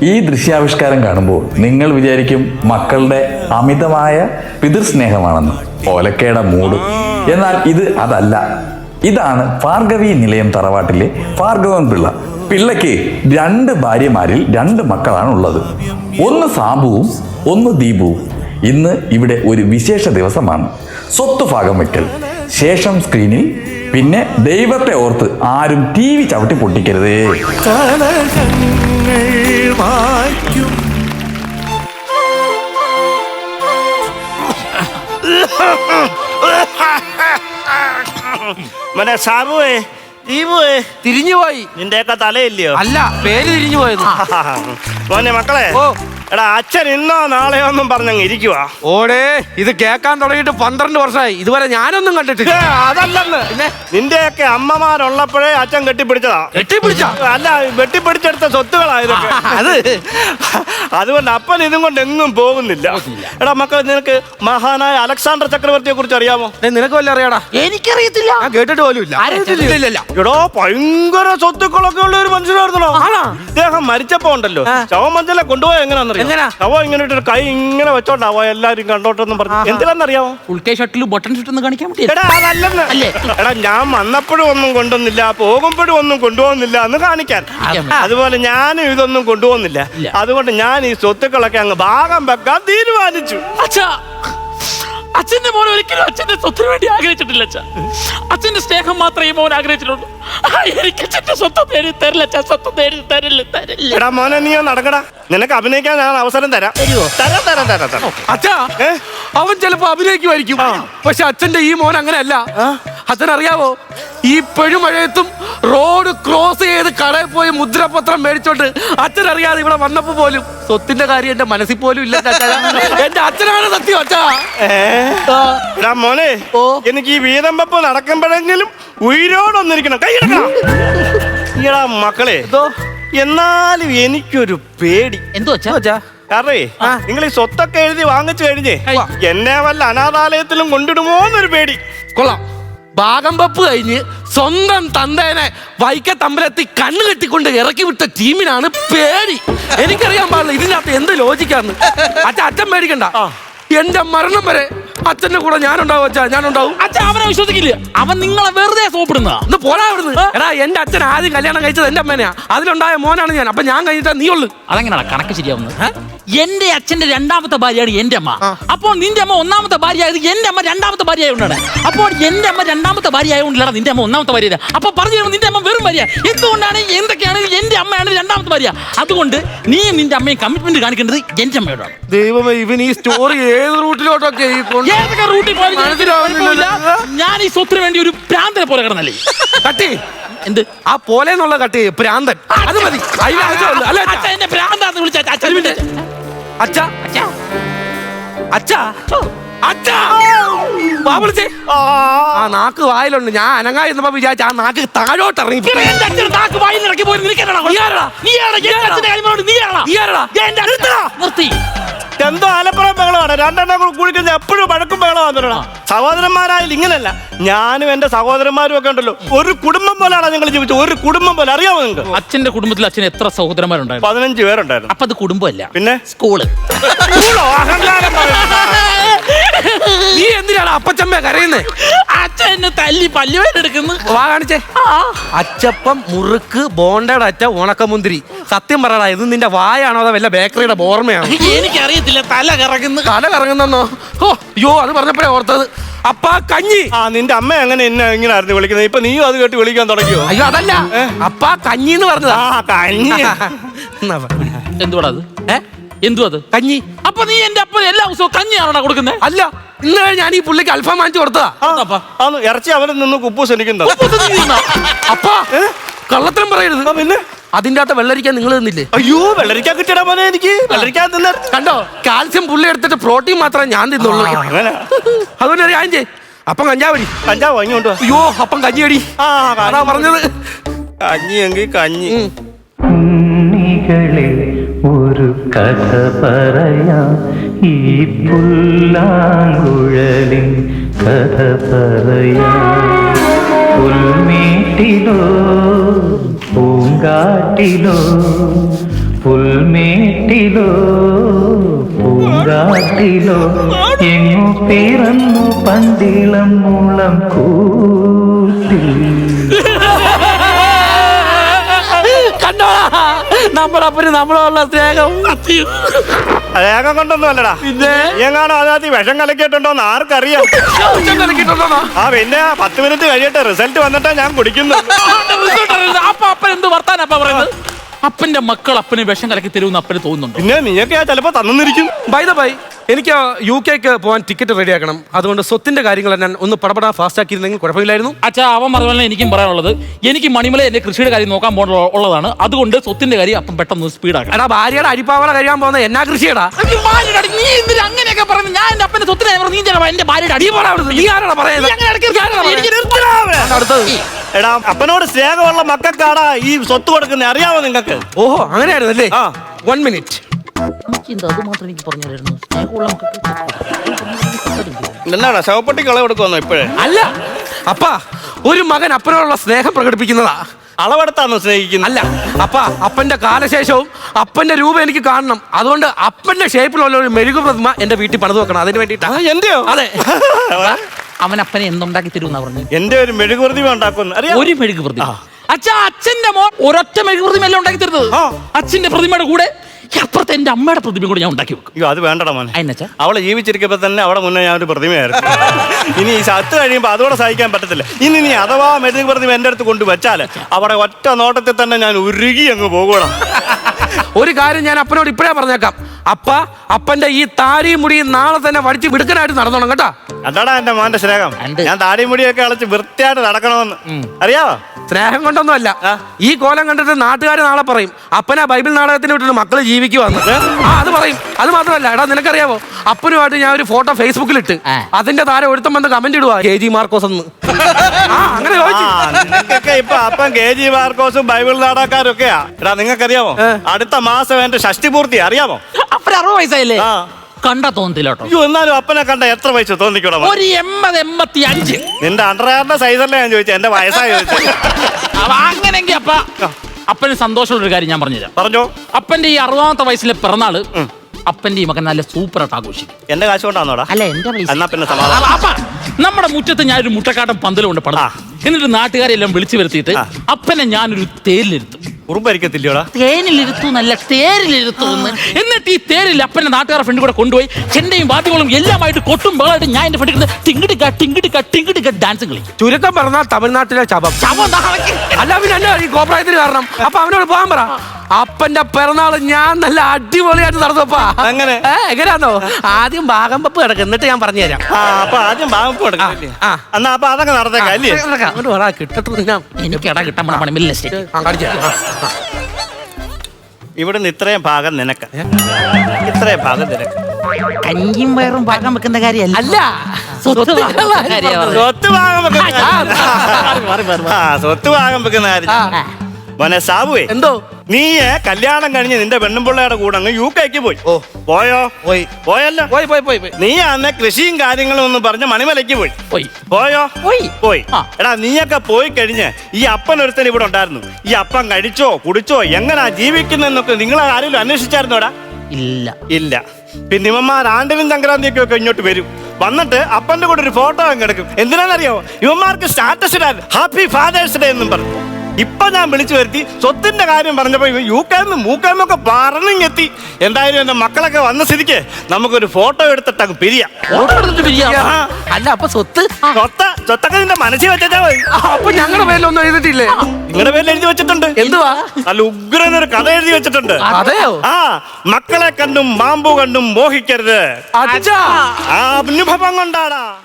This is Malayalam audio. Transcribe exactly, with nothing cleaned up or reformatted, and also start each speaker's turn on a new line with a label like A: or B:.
A: ഈ ദൃശ്യാവിഷ്കാരം കാണുമ്പോൾ നിങ്ങൾ വിചാരിക്കും മക്കളുടെ അമിതമായ പിതൃസ്നേഹമാണെന്ന്. ഓലക്കയുടെ മൂട്. എന്നാൽ ഇത് അതല്ല. ഇതാണ് ഭാർഗവി നിലയം തറവാട്ടിലെ ഭാർഗവൻ പിള്ള. പിള്ളയ്ക്ക് രണ്ട് ഭാര്യമാരിൽ രണ്ട് മക്കളാണ് ഉള്ളത്. ഒന്ന് സാബുവും ഒന്ന് ദീപുവും. ഇന്ന് ഇവിടെ ഒരു വിശേഷ ദിവസമാണ്. സ്വത്ത് ഭാഗം വെക്കൽ. ശേഷം സ്ക്രീനിൽ പിന്നെ ദൈവത്തെ ഓർത്ത് ആരും ടി വി ചവിട്ടി പൊട്ടിക്കരുതേ.
B: മനെ സാബുവേ ദീപുവേ
C: തിരിഞ്ഞുപോയി.
B: നിന്റെയൊക്കെ തലയില്ലയോ?
C: അല്ല, പേര് തിരിഞ്ഞു പോയത്.
B: മോനെ മക്കളെ,
C: ഓ
B: എടാ അച്ഛൻ ഇന്നോ നാളെയോ ഒന്നും പറഞ്ഞങ്ങ് ഇരിക്കുവാ.
C: ഓടേ, ഇത് കേൾക്കാൻ തുടങ്ങിയിട്ട് പന്ത്രണ്ട് വർഷമായി. ഇതുവരെ ഞാനൊന്നും കണ്ടിട്ടില്ല.
B: അതല്ലെന്ന്,
C: പിന്നെ
B: നിന്റെയൊക്കെ അമ്മമാരുള്ളപ്പോഴേ അച്ഛൻ കെട്ടിപ്പിടിച്ചതാ.
C: കെട്ടിപ്പിടിച്ച
B: അല്ല, വെട്ടിപ്പിടിച്ചെടുത്ത സ്വത്തുകളാ ഇതൊക്കെ.
C: അത്
B: അതുകൊണ്ട് അപ്പൻ ഇതും കൊണ്ട് എങ്ങും പോകുന്നില്ല. എടാ മക്കളെ, നിനക്ക് മഹാനായ അലക്സാണ്ടർ ചക്രവർത്തിയെ കുറിച്ച് അറിയാമോ?
C: നിനക്ക് വല്ല അറിയാടാ?
D: എനിക്കറിയത്തില്ല.
C: ഞാൻ കേട്ടിട്ട് പോലും ഇല്ല.
B: എടോ, ഭയങ്കര സ്വത്തുക്കളൊക്കെ ഉള്ള ഒരു മനുഷ്യനായിരുന്നല്ലോ. ഇദ്ദേഹം മരിച്ചപ്പോ ഉണ്ടല്ലോ, ശവമഞ്ചലെ കൊണ്ടുപോയ എങ്ങനെയാണെന്നറിയാം? ശവം ഇങ്ങനെ ഇട്ടൊരു കൈ ഇങ്ങനെ വെച്ചോണ്ടാവോ എല്ലാരും കണ്ടോട്ടെന്നും പറഞ്ഞു. എന്തിനാന്നറിയാമോ?
D: ഉൾക്കൈ ഷട്ടിൽ ബട്ടൺ ഷൂട്ട് കാണിക്കാൻ പറ്റില്ല.
B: എടാ അതല്ലെന്ന്. എടാ, ഞാൻ വന്നപ്പോഴും ഒന്നും കൊണ്ടുവന്നില്ല, പോകുമ്പോഴും ഒന്നും കൊണ്ടുപോകുന്നില്ല എന്ന് കാണിക്കാൻ. അതുപോലെ ഞാനും ഇതൊന്നും കൊണ്ടുപോകുന്നില്ല. അതുകൊണ്ട് ഞാൻ ഈ സ്വത്തുക്കളൊക്കെ അങ്ങ് ഭാഗം വെക്കാൻ തീരുമാനിച്ചു.
D: അച്ഛാ, അച്ഛന്റെ മോൻ ഒരിക്കലും അച്ഛന്റെ സ്വത്തിന് വേണ്ടി ആഗ്രഹിച്ചിട്ടില്ല. അച്ഛാ, അച്ഛന്റെ സ്നേഹം മാത്രമേ മോൻ ആഗ്രഹിച്ചിട്ടുള്ളൂ. എനിക്ക് അച്ഛന്റെ സ്വത്ത് തേടി തരില്ല. അച്ഛാ, സ്വത്ത് തേടി തരില്ല തരില്ല.
B: എടാ മോനെ, നീ നടക്കടാ. നിനക്ക് അഭിനയിക്കാൻ ഞാൻ അവസരം തരാം. തരാം തരാം തരാം തരാം.
C: അച്ഛാ, അവൻ ചിലപ്പോ അഭിനയിക്കുമായിരിക്കും. പക്ഷെ അച്ഛന്റെ ഈ മോൻ അങ്ങനെയല്ല. അച്ഛനറിയാവോ, ഈ പെഴുമഴയത്തും റോഡ് ക്രോസ് ചെയ്ത് കടയിൽ പോയി മുദ്രപത്രം മേടിച്ചോണ്ട് അച്ഛനറിയാതെ ഇവിടെ വന്നപ്പോ പോലും സ്വത്തിന്റെ കാര്യം എന്റെ മനസ്സിൽ പോലും ഇല്ല. എന്റെ അച്ഛനാണ് സത്യം. അച്ഛാ
B: എടാ മോനെ, എനിക്ക് ഈ വീതം വെപ്പ് നടക്കുമ്പോഴെങ്കിലും ഉയരോടൊന്നിരിക്കണം. കൈയെടുക്കണം. ഈടാ മക്കളെ, എന്നാലും എനിക്കൊരു പേടി.
D: എന്തോ അച്ഛാ?
B: കാരണേ, നിങ്ങൾ ഈ സ്വത്തൊക്കെ എഴുതി വാങ്ങിച്ചു കഴിഞ്ഞേ എന്നെ വല്ല അനാഥാലയത്തിലും കൊണ്ടിടുമോ എന്നൊരു പേടി.
C: കൊള്ളാം. ഭാഗം വെപ്പ് കഴിഞ്ഞ് സ്വന്തം തന്തേനെ വൈക്കത്തമ്പലത്തിൽ കണ്ണു കെട്ടിക്കൊണ്ട് ഇറക്കി വിട്ട ടീമിനാണ് പേടി. എനിക്കറിയാൻ പാടില്ല ഇതിനകത്ത് എന്ത് ലോജിക്കാന്ന്. അച്ഛൻ അച്ഛൻ പേടിക്കണ്ട. എന്റെ മരണം വരെ അച്ഛന്റെ കൂടെ ഞാനുണ്ടാവും. അച്ഛാ, ഞാനുണ്ടാവും.
D: അച്ഛൻ അവനെ വിശ്വസിക്കില്ല. അവൻ നിങ്ങളെ വെറുതെ സോപ്പിടുന്ന.
C: ഒന്ന് പോരാ ഇവിടുന്ന്. എടാ, എന്റെ അച്ഛൻ ആദ്യം കല്യാണം കഴിച്ചത് എന്റെ അമ്മേനെയാ. അതിലുണ്ടായ മോനാണ് ഞാൻ. അപ്പൊ ഞാൻ കഴിഞ്ഞിട്ടാ നീ ഉള്ളു.
D: അതെങ്ങനെയാണ് കണക്ക് ശരിയാവുന്നത്? എന്റെ അച്ഛന്റെ രണ്ടാമത്തെ ഭാര്യയാണ് എന്റെ അമ്മ. അപ്പോൾ നിന്റെ അമ്മ ഒന്നാമത്തെ ഭാര്യ ആയത് എന്റെ അമ്മ രണ്ടാമത്തെ ഭാര്യ ആയതുകൊണ്ടാണ്. അപ്പോൾ എന്റെ അമ്മ രണ്ടാമത്തെ ഭാര്യ ആയതുകൊണ്ടല്ല നിന്റെ അമ്മ ഒന്നാമത്തെ ഭാര്യ. അപ്പൊ പറഞ്ഞു തരുമ്പോൾ നിന്റെ അമ്മ വെറും ഭാര്യ. എന്തുകൊണ്ടാണ് എന്തൊക്കെയാണ് എന്റെ അമ്മയാണ് രണ്ടാമത്തെ ഭാര്യ. അതുകൊണ്ട് നീ നിന്റെ അമ്മയെ കമ്മിറ്റ്മെന്റ് കാണിക്കേണ്ടത് എന്റെ അമ്മയോടാണ്.
C: ദൈവമേ, ഇവൻ ഈ സ്റ്റോറി ഏത് റൂട്ടിലോട്ടൊക്കെ
D: ഏതൊക്കെ റൂട്ടിൽ പോയാലും ഞാൻ ഈ സ്വത്തിന് വേണ്ടി ഒരു പ്രാന്തനെ പോലെ കിടന്നല്ലേ.
C: കട്ടി
D: എന്ത്
C: ആ പോലെ എന്നുള്ള കട്ടി പ്രാന്തൻ. അത് മതി.
D: എന്നെ പ്രാന്താന്ന് വിളിച്ച
C: അച്ഛാ അച്ഛാ അച്ഛാ അച്ഛാ വാ വിളിച്ചേ. ആ നാക്ക് വായിലുണ്ട്. ഞാൻ അനങ്ങാ എന്നപ്പോ വിചാരിച്ച ആ നാക്ക് താഴോട്ട് ഇറങ്ങി.
B: എന്തോ ആലപ്പുറം ബഹളമാണ്. രണ്ടെണ്ണം കൂടി കഴിഞ്ഞാൽ എപ്പോഴും വഴക്കും ബഹളമാണ്. സഹോദരന്മാരായാലും ഇങ്ങനല്ല. ഞാനും എന്റെ സഹോദരന്മാരും ഒക്കെ ഉണ്ടല്ലോ, ഒരു കുടുംബം പോലെയാണ് ഞങ്ങൾ ജീവിച്ചത്. ഒരു കുടുംബം പോലെ. അറിയാമോ നിങ്ങൾക്ക്?
D: അച്ഛന്റെ കുടുംബത്തിൽ അച്ഛൻ എത്ര സഹോദരന്മാരുണ്ടായിരുന്നു?
B: പതിനഞ്ച് പേരുണ്ടായിരുന്നു.
D: അപ്പൊ അത് കുടുംബമല്ല,
B: പിന്നെ സ്കൂള്.
C: നീ എന്തിനാണ് അപ്പച്ചമ്മ കരയുന്നേ?
D: അച്ഛൻ എന്നെ തല്ലി പല്ലുവേനെടുക്കുന്നു.
C: വാ കാണിച്ചേ. അച്ചപ്പം, മുറുക്ക്, ബോണ്ടയുടെ അറ്റ, ഉണക്കമുന്തിരി. സത്യം പറയടാ, ഇത് നിന്റെ വായാണോ അതോ വല്ല ബേക്കറിയുടെ ബോർമയാണോ?
D: എനിക്കറിയത്തില്ല. തല കറങ്ങുന്നു.
C: തല കറങ്ങുന്നോ? ഓ അയ്യോ, അത് പറഞ്ഞപ്പോഴേ ഓർത്തത്. അപ്പാ കഞ്ഞി.
B: ആ, നിന്റെ അമ്മ എങ്ങനെ എന്നെ ഇങ്ങനെ ആയിരുന്നു വിളിക്കുന്നത്? ഇപ്പൊ നീയും അത് കേട്ട് വിളിക്കാൻ തുടങ്ങിയോ?
C: അയ്യോ അതല്ല, അപ്പാ കഞ്ഞി എന്ന് പറഞ്ഞതാ.
B: കഞ്ഞി
D: എന്തുവാ അത്? എന്തുവാ അത്?
C: കഞ്ഞി.
D: അപ്പൊ നീ എന്റെ അപ്പൻ എല്ലാ ദിവസവും കഞ്ഞിയാണോ കൊടുക്കുന്നത്?
C: അല്ല, ഇന്ന് ഞാൻ ഈ പുള്ളിക്ക് അൽഫാം വാങ്ങിച്ചു കൊടുത്തതാ.
B: ഇറച്ചി അവരിൽ നിന്ന് കുപ്പൂസ് എനിക്കുണ്ടോ?
C: അപ്പാ കള്ളത്തരം പറയരുത്. പിന്നെ അതിന്റെ അകത്ത് വെള്ളരിക്കാൻ നിങ്ങൾ തിന്നില്ലേ?
B: അയ്യോ, വെള്ളരിക്കാൻ കിട്ടിയടാ പോലെ. എനിക്ക് വെള്ളരിക്കാൻ തിന്ന
C: കണ്ടോ, കാൽസ്യം പുള്ളി എടുത്തിട്ട് പ്രോട്ടീൻ മാത്രമേ ഞാൻ തിന്നുള്ളൂ. അതുകൊണ്ട് ഒരു കാര്യം ചെയ്യ്, അപ്പം കഞ്ചാവടി.
B: കഞ്ചാവ് വാങ്ങിക്കൊണ്ടോ?
C: അയ്യോ, അപ്പം കഞ്ഞിയടി. അതാ പറഞ്ഞത്.
B: കഞ്ഞി എങ്കിൽ കഞ്ഞി.
E: ഒരു കഥ പറയാം, ഈ പുല്ലാങ്കുഴലിൻ കഥ പറയാം. പുൽമേട്ടിലോ പൂങ്കാട്ടിലോ പുൽമേട്ടിലോ പൂങ്കാട്ടിലോ എങ്ങു പിറന്നു പണ്ടിളം മുളം കൂട്ടി.
C: കണ്ടോടാ നമ്മുടെ അപ്പന് നമ്മളോടുള്ള സ്നേഹം.
B: വേഗം കൊണ്ടൊന്നും അല്ലടാ,
C: പിന്നെ
B: എങ്ങാണോ അതിനകത്ത് ഈ വിഷം കലക്കിയിട്ടുണ്ടോന്ന് ആർക്കറിയാം.
C: കലക്കിട്ടുണ്ടോന്നാ?
B: ആ പിന്നെ പത്ത് മിനിറ്റ് കഴിയട്ടെ, റിസൾട്ട് വന്നിട്ടാ ഞാൻ കുടിക്കുന്നു.
D: അപ്പൊ അപ്പൻ എന്ത് വർത്താനപ്പ പറയുന്നത്? അപ്പന്റെ മക്കൾ അപ്പന് വിഷം കലക്കി തരുമെന്ന് അപ്പന് തോന്നുന്നുണ്ടോ?
B: പിന്നെ നീയൊക്കെ ആ ചിലപ്പോ തന്നിരിക്കും.
C: ബൈ ദ ബൈ, എനിക്ക് യു കെക്ക് പോകാൻ ടിക്കറ്റ് റെഡിയാക്കണം. അതുകൊണ്ട് സ്വത്തിന്റെ കാര്യങ്ങൾ ഞാൻ ഒന്ന് പടപടാ ഫാസ്റ്റ് ആക്കിയിരുന്നെങ്കിൽ കുഴപ്പമില്ലായിരുന്നു.
D: അച്ഛാ, അവൻ പറഞ്ഞ എനിക്കും പറയാനുള്ളത്, എനിക്ക് മണിമല എന്റെ കൃഷിയുടെ കാര്യം നോക്കാൻ പോകാൻ ഉള്ളതാണ്. അതുകൊണ്ട് സ്വത്തിന്റെ കാര്യം അപ്പം പെട്ടെന്ന് സ്പീഡാക്കണം.
C: എടാ, ഭാര്യയുടെ അരിപ്പാവള കഴിയാൻ പോകുന്ന എന്നാ കൃഷിയടാ?
D: നീ എന്തിനാ അങ്ങനെയൊക്കെ പറഞ്ഞു? ഞാൻ എന്റെ അപ്പന്റെ സ്വത്തിനെ നീ എന്റെ ഭാര്യയുടെ അടി
C: നീ ആരാടാ പറയുന്നത്? അടുത്തത്
B: എടാ, അപ്പനോട് സ്നേഹമുള്ള മക്കൾക്കാടാ ഈ സ്വത്ത് കൊടുക്കുന്നത്, അറിയാമോ നിങ്ങൾക്ക്?
C: ഓഹോ, അങ്ങനെയായിരുന്നല്ലേ?
B: ആ.
C: One minute.
D: അത് മാത്രം എനിക്ക് പറഞ്ഞു തരുന്നു. സ്നേഹമുള്ള
B: എന്നാടാ ശവപ്പെട്ടി കള കൊടുക്കുവന്നോ ഇപ്പോഴേ?
C: അല്ല അപ്പ, ഒരു മകൻ അപ്പനോടുള്ള സ്നേഹം പ്രകടിപ്പിക്കുന്നതാ.
B: അളവെടുത്താണോ സ്നേഹിക്കുന്നത്?
C: അല്ല അപ്പ, അപ്പന്റെ കാലശേഷവും അപ്പന്റെ രൂപം എനിക്ക് കാണണം. അതുകൊണ്ട് അപ്പന്റെ ഷേപ്പിലുള്ള ഒരു മെഴുകു പ്രതിമ എന്റെ വീട്ടിൽ പണിത് വെക്കണം. അതിന് വേണ്ടിട്ടാ.
B: എന്റെയോ?
C: അതെ.
D: അവൻ അപ്പനെ എന്തുണ്ടാക്കി തരുമെന്നാ പറഞ്ഞു?
B: എന്റെ ഒരു മെഴുകുവൃതി ഉണ്ടാക്കുന്നു, അറിയാം.
D: ഒരു മെഴുകു പ്രതിമ. അച്ഛാ, അച്ഛന്റെ മോൻ ഒരൊറ്റ മെഴുകു പ്രതിമ എല്ലാം ഉണ്ടാക്കി തരുന്നത്. അച്ഛന്റെ പ്രതിമയുടെ കൂടെ അപ്പുറത്തെ എന്റെ അമ്മയുടെ പ്രതിമ കൂടെ ഞാൻ ഉണ്ടാക്കി വെക്കും.
B: അയ്യോ, അത് വേണ്ടടാ മോനെ.
D: അതിനച്ഛാ,
B: അവളെ ജീവിച്ചിരിക്കുമ്പോ തന്നെ അവിടെ മുന്നേ ഞാൻ ഒരു പ്രതിമയായിരുന്നു. ഇനി ഈ സത്ത് കഴിയുമ്പോ അതോടെ സഹിക്കാൻ പറ്റത്തില്ല. ഇനി നീ അഥവാ മെഴുകു പ്രതിമ എന്റെ അടുത്ത് കൊണ്ടുവച്ചാല് അവിടെ ഒറ്റ നോട്ടത്തിൽ തന്നെ ഞാൻ ഉരുകി അങ്ങ് പോകണം.
C: ഒരു കാര്യം ഞാൻ അപ്പനോട് ഇപ്പഴേ പറഞ്ഞേക്കാം. അപ്പ, അപ്പന്റെ ഈ താടിയും മുടിയും നാളെ തന്നെ വടിച്ച് വിടുക്കനായിട്ട് നടന്നോണം കേട്ടാ.
B: അതാടാ എന്റെ മോന്റെ സ്നേഹം. ഞാൻ താടി മുടിയൊക്കെ അളച്ച് വൃത്തിയായിട്ട് നടക്കണമെന്ന്, അറിയാവോ?
C: സ്നേഹം കൊണ്ടൊന്നുമല്ല. ഈ കോലം കണ്ടിട്ട് നാട്ടുകാർ നാളെ പറയും അപ്പനാ ബൈബിൾ നാടകത്തിന് വിട്ടിട്ട് മക്കള് ജീവിക്കുവാന്ന്. ആ, അത് പറയും. അത് മാത്രമല്ല, എടാ നിനക്കറിയാവോ, അപ്പനുമായിട്ട് ഞാൻ ഒരു ഫോട്ടോ ഫേസ്ബുക്കിൽ ഇട്ട് അതിന്റെ താരം ഒരുത്തം വന്ന് കമന്റ് ഇടുവാ, കെ ജി മാർക്കോസ് എന്ന്. ആ, അങ്ങനെ
B: നിങ്ങൾക്കൊക്കെ ഇപ്പൊ അപ്പം കെ ജി മാർക്കോസും ബൈബിൾ നാടകക്കാരും ഒക്കെയാ. എടാ നിങ്ങൾക്കറിയാമോ, അടുത്ത മാസം എന്റെ ഷഷ്ടി പൂർത്തി, അറിയാമോ?
D: അപ്പന അറുപത് വയസ്സായില്ലേ?
B: ആ,
D: കണ്ടാ തോന്നത്തില്ല കേട്ടോ.
B: അയ്യോ, എന്നാലും അപ്പനെ കണ്ട എത്ര വയസ്സ് തോന്നിക്കൂടാ?
D: ഒരു എൺപത് എൺപത്തി അഞ്ച്.
B: നിന്റെ അണ്ടർവെയറിന്റെ സൈസല്ലേ ഞാൻ ചോദിച്ചത്, എന്റെ വയസ്സായി ചോദിച്ചത്.
D: അങ്ങനെങ്കി അപ്പ അപ്പന് സന്തോഷമുള്ള ഒരു കാര്യം ഞാൻ പറഞ്ഞുതരാം.
B: പറഞ്ഞോ.
D: അപ്പന്റെ ഈ അറുപതാമത്തെ വയസ്സിലെ പിറന്നാള് അപ്പന്റെ ഈ മകൻ നല്ല സൂപ്പറായിട്ട് ആഘോഷിക്കും.
B: എന്റെ കാശ് കൊണ്ടാന്നോടാ?
D: അല്ല, എന്റെ പൈസ.
B: എന്നാ പിന്നെ സമാധാനം.
D: അപ്പ നമ്മുടെ മുറ്റത്ത് ഞാനൊരു മുട്ടക്കാട്ടം പന്തലും കൊണ്ട് പടം. എന്നിട്ട് നാട്ടുകാരെല്ലാം വിളിച്ചു വരുത്തിയിട്ട് അപ്പനെ ഞാനൊരു തേരിലിരുത്തും.
B: ഉറുമ്പരിക്കത്തില്ലയോടാ?
D: തേനിലിരുത്തു എന്നല്ല, തേരിലിരുത്തു എന്ന്. എന്നിട്ട് ഈ തേരിൽ അപ്പന്റെ നാട്ടുകാരുടെ ഫ്രണ്ട് കൂടെ കൊണ്ടുപോയി ചെണ്ടയും വാദ്യങ്ങളും എല്ലാമായിട്ട് കൊട്ടും ബഹളമായിട്ട് ഞാൻ എന്റെ ഫ്രണ്ട് ടിങ്കിടിക്ക ടിങ്കിടിക്ക ടിങ്കിടിക്ക ഡാൻസ് കളിക്കും.
C: ചുരുക്കം പറഞ്ഞാൽ തമിഴ്നാട്ടിലെ ശവം.
D: ശവം നാളേക്ക്.
C: അല്ല പിന്നെ അല്ല ഈ കോപ്രായത്തിന് കാരണം. അപ്പൊ അവനോട് പോകാൻ പറ. അപ്പന്റെ പിറന്നാള് ഞാൻ നല്ല അടിപൊളിയായിട്ട് നടന്നപ്പാ.
B: അങ്ങനെ
C: എങ്ങനെയാന്നോ, ആദ്യം ഭാഗം വെപ്പ് കിടക്കും, എന്നിട്ട് ഞാൻ പറഞ്ഞു തരാം.
B: ആ, അപ്പൊ ആദ്യം ഭാഗം കൊടുക്കല്ലേ? എന്നാ അപ്പൊ അതൊക്കെ നടത്തേക്കാം അല്ലേ?
C: കിട്ടട്ടെ.
D: എനിക്ക് ഇട കിട്ടാൻ പണമില്ല.
B: ഇവിടുന്ന് ഇത്രയും ഭാഗം നിനക്ക്, ഇത്രയും ഭാഗം നിനക്ക്.
D: കഞ്ഞിയും വയറും പാകം വെക്കുന്ന കാര്യമല്ല.
C: അല്ല,
D: സ്വത്ത് വാങ്ങുന്ന കാര്യമാണ്.
B: സ്വത്ത് ഭാഗം വെക്കുന്ന കാര്യം. ആ, സ്വത്ത് ഭാഗം വെക്കുന്ന കാര്യം. മോനെ സാബുവേ,
C: എന്തോ
B: നീ കല്യാണം കഴിഞ്ഞ് നിന്റെ പെണ്ണുമ്പിള്ളയുടെ കൂടെ അങ്ങ് യു കെക്ക് പോയി. ഓ, പോയോ?
C: പോയി.
B: പോയല്ലോ.
C: പോയി പോയി പോയി പോയി.
B: നീ അന്ന് കൃഷിയും കാര്യങ്ങളും ഒന്ന് പറഞ്ഞ് മണിമലയ്ക്ക് പോയി.
D: പോയി.
B: പോയോ?
D: പോയി.
B: പോയി.
D: ആ.
B: എടാ, നീയൊക്കെ പോയി കഴിഞ്ഞ് ഈ അപ്പൻ ഒരുത്തൻ ഇവിടെ ഉണ്ടായിരുന്നു. ഈ അപ്പൻ കഴിച്ചോ കുടിച്ചോ എങ്ങനാ ജീവിക്കുന്നതെന്നൊക്കെ നിങ്ങൾ ആരെങ്കിലും അന്വേഷിച്ചായിരുന്നോടാ?
D: ഇല്ല.
B: ഇല്ല. പിന്നെ ഇവന്മാർ ആണ്ടിലും സംക്രാന്തിയൊക്കെ ഒക്കെ ഇങ്ങോട്ട് വരും. വന്നിട്ട് അപ്പന്റെ കൂടെ ഒരു ഫോട്ടോ അങ്ങ് എടുക്കും. എന്തിനാണെന്നറിയോ? ഇവന്മാർക്ക് സ്റ്റാറ്റസ് ഇടാൻ ഹാപ്പി ഫാദേഴ്സ് ഡേ എന്നും പറഞ്ഞു. ഇപ്പൊ ഞാൻ വിളിച്ചു വരുത്തി സ്വത്തിന്റെ കാര്യം പറഞ്ഞപ്പോ യു കെന്ന് മൂക്കെന്നൊക്കെ പറഞ്ഞെത്തി. എന്തായാലും എന്റെ മക്കളൊക്കെ വന്ന സ്ഥിതിക്ക് നമുക്കൊരു ഫോട്ടോ എടുത്തിട്ട് അങ്ങ് പിരിയാം.
D: ഫോട്ടോ എടുത്തിട്ട് പിരിയാം.
B: ആ.
C: അല്ല, അപ്പൊ സ്വത്ത്
B: സ്വത്ത സ്വത്തൊക്കെ നിന്റെ മനസ്സിൽ വെച്ചാ മതി.
C: അപ്പൊ ഞങ്ങളുടെ പേരിലൊന്നും എഴുതിട്ടില്ലേ?
B: നിങ്ങളുടെ പേരിൽ എഴുതി വെച്ചിട്ടുണ്ട്.
C: എന്തുവാ?
B: നല്ല ഉഗ്രനൊരു കഥ എഴുതി വെച്ചിട്ടുണ്ട്.
C: അതെയോ?
B: ആ, മക്കളെ കണ്ടും മാമ്പു കണ്ടും മോഹിക്കരുത്.
C: അച്ഛാ,
B: ആ അനുഭവം കൊണ്ടാടാ.